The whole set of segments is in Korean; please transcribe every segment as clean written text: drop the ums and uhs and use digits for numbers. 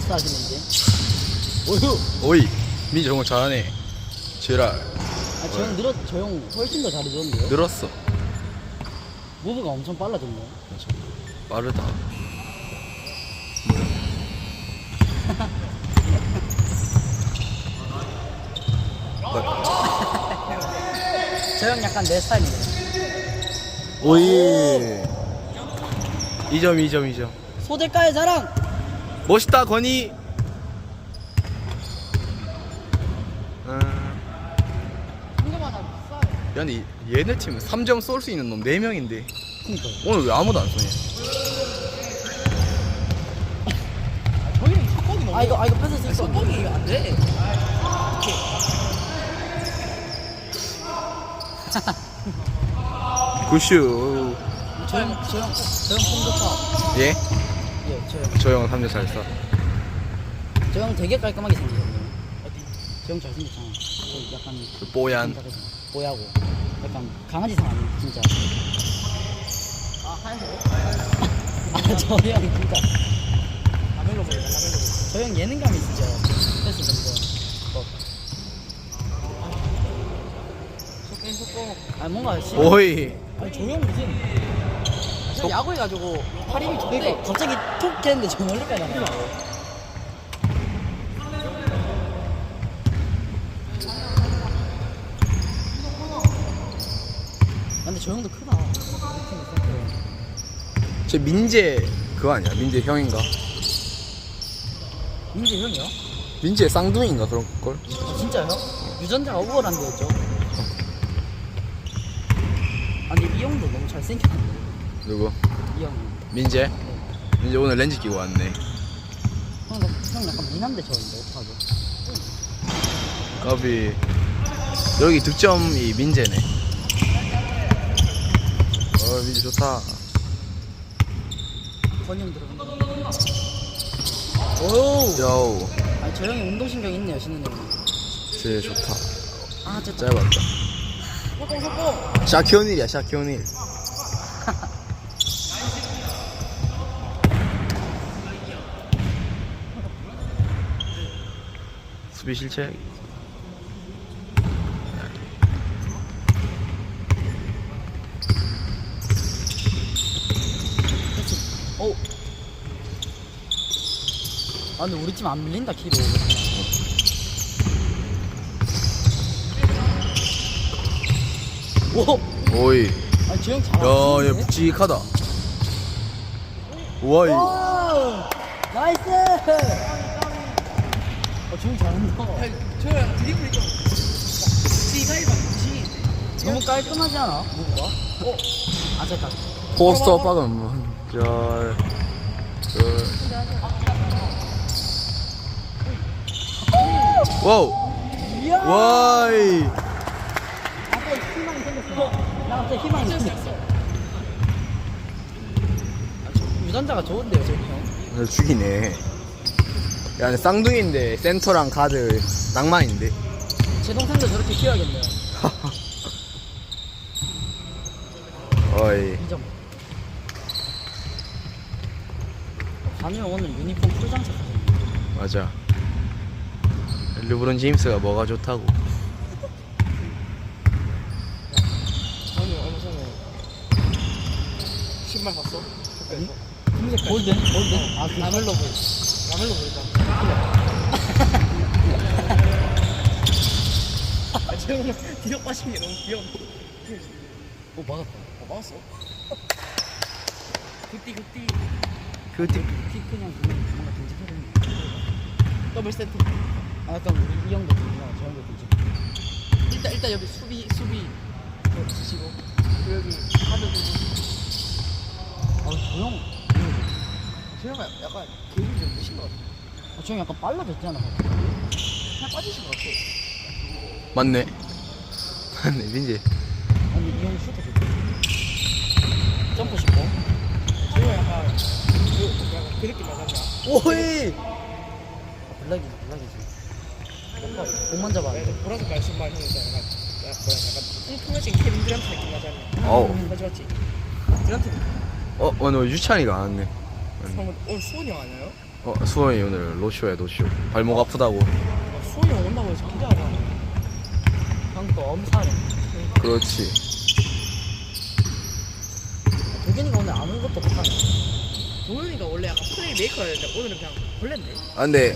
패스 하시네 이제. 오유. 오이 민지 정말 잘하네. 지랄. 아, 저 형 훨씬 더 잘해줬는데요? 늘었어. 무브가 엄청 빨라졌네. 빠르다. 저 형 약간 내 스타일이네. 오이. 2점. 소대가의 자랑! 멋있다 건이. 한개만 하면 비싸요. 근데 얘네 팀은 3점 쏠 수 있는 놈 4명인데 그니까. 오늘 왜 아무도 안 쏘냐? 저희는 속박이 너무. 이거 패스 쓸 수 없네. 속박이 안 돼. 굿슈. 저 형 폼 좋다. 예? 예, 저 형. 저 형 3점 잘 쏴. 저 형 되게 깔끔하게 생기셨네요. 어디? 저 형 잘생겼잖아. 저 약간 그 뽀얀. 뽀야고 약간 강아지상 아니에요 진짜. 아 하얀색. 저 형 진짜. 라멜로 보이다 라멜로 보이. 저 형 예능감이 있죠. 패스 정도. 속고. 뭔가 오이. 아니 저 형 무슨 저 야구해가지고 팔 힘이 좋대. 그러니까 갑자기 톡 했는데 저 멀리까지 나가. 근데 저 형도 크다. 저 민재 그거 아니야? 민재 형인가? 민재 형이요? 민재 쌍둥이인가 그런 걸? 진짜요? 유전자가 우월한 데였죠. 아니 이 형도 너무 잘생겼는데. 누구? 이 형. 민재? 민재 오늘 렌즈 끼고 왔네. 형 약간 미남대 저인데 어떡하죠? 까비. 여기 득점이 민재네. 민재 좋다. 권형 들어간다. 오. 야우. 아니 저 형이 운동신경 있네요 신은 형이. 쟤 좋다. 진짜. 짧았다. 속고. 샤키오닐이야 샤키오닐. 수비 실책. 오. 근데 우리 팀 안 밀린다 키로. 오. 오이. 아니 저 형 야, 잘하는데. 얘 묵직하다. 우와이. 와. 나이스. 저 형 잘한다. 저형 드리블이 좀. 지가이가 지인데. 너무 깔끔하지 않아? 뭐가? 잠깐. 포스터 박은 절. 와우. 이야. 와이. 갑자기 희망이 생겼어. 나 갑자기 희망이 생겼어. 유전자가 좋은데요, 저 형. 죽이네. 야, 근데 쌍둥이인데 센터랑 가드 낭만인데. 제 동생도 저렇게 키워야겠네요. 어이. 2점. 관우 형 오늘 유니폼 풀장착 하셨네. 맞아. 르브론 제임스가 뭐가 좋다고. 저는 얼마 전에 신발 샀어. 금색 골든? 골든? 라멜로 보이. 라멜로 보이다. 저 형은 뒤로 빠진 게 너무 귀여워. 막았다. 막았어? 굿띠. 그때 키 그냥 뭔가 듬직하네. 더블 세트. 약간 우리 이 형도 듬직하고 저 형도 듬직하고. 일단 여기 수비 그거 주시고 그리고 여기 하드 부분. 저 형. 저 형은 약간 계획이 좀 늦은 것 같아. 저 형 약간 빨라졌잖아. 그냥 빠지신 것 같아. 맞네. 맞네 민재. 아니 이 형 슈터 좋다. 점프 싶어. 저 형은 약간 그 느낌 나잖아. 오이. 블락이지. 공만 잡아. 보라색 깔 신발 형이 있잖아. 약간 뚱뚱해진 케빈 듀란트 느낌 나잖아. 어우. 맞지? 듀란트 느낌. 오늘 유찬이가 안 왔네. 오늘 수원이 형 아니에요? 수원이 오늘 노쇼야 노쇼. 발목 아프다고. 수원이 형 온다고 해서 기대하고 하네. 형또 엄살해. 그렇지. 도균이가 오늘 아무것도 못하네. 도현이가 원래 약간 플레이 메이커였는데 오늘은 그냥 벌레인데. 아 근데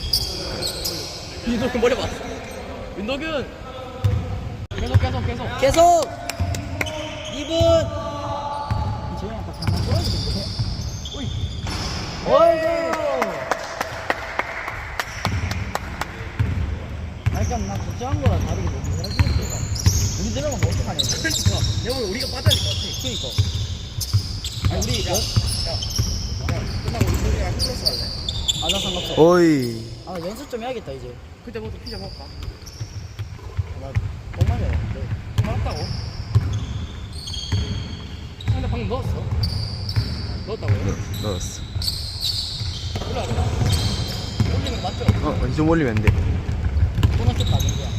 윤도균 머리 봤어. 윤도균. 계속. 계속 2분. 지금 아까 장난 떨어지던데. 오이. 어이구. 약간 나 걱정한 거랑 다르게 너무 잘해주는 거가. 우리 들어가면 어떡하냐. 그러니까 내가 오늘 우리가 빠져야 될 것 같아. 그니까. 아니 우리 끝나고 윤도균이랑 힐러스 할래? 나 상관없어. 어이. 연습 좀 해야겠다 이제. 그때부터 피자 먹을까? 나 똥마려. 좀 알았다고? 근데 방금 넣었어? 넣었다고요? 넣었어. 그래 알아. 올리는 거 맞죠? 좀 올리면 안 돼. 코너킥 가는 거야.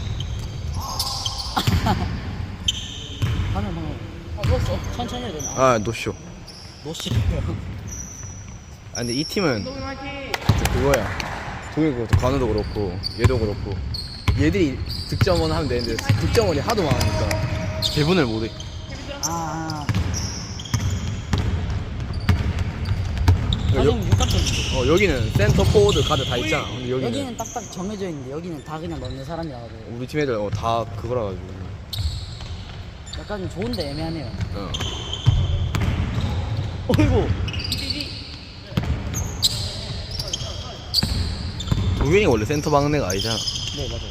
방금. 넣었어. 천천히 해야 되나? 아 노쇼. 노시. 아 근데 이 팀은 윤도균 화이팅! 그거야. 동일고 관우도 그렇고 얘도 그렇고 얘들이 득점원 하면 되는데 득점원이 하도 많으니까 배분을 못해. 가정 육각형인데. 여기는 센터 포워드 가드 다 있잖아. 근데 여기는 딱딱 정해져 있는데 여기는 다 그냥 넣는 사람이라 가지고 우리 팀 애들 다 그거라 가지고. 약간 좀 좋은데 애매하네요. 어이구. 동현이가 원래 센터 막는 애가 아니잖아. 네 맞아요.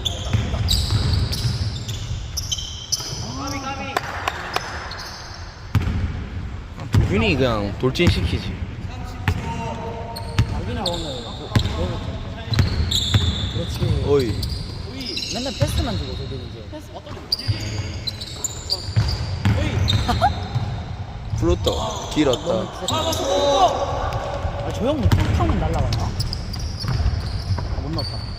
동현이 그냥 돌진시키지. 여기는 오늘 그렇지. 어이. 맨날 패스만 주고 저기는 이제. 패스 어떤 거? 풀었다. 길었다. 저 형 뭐 툭하면 날라갔나? 못 넣었다.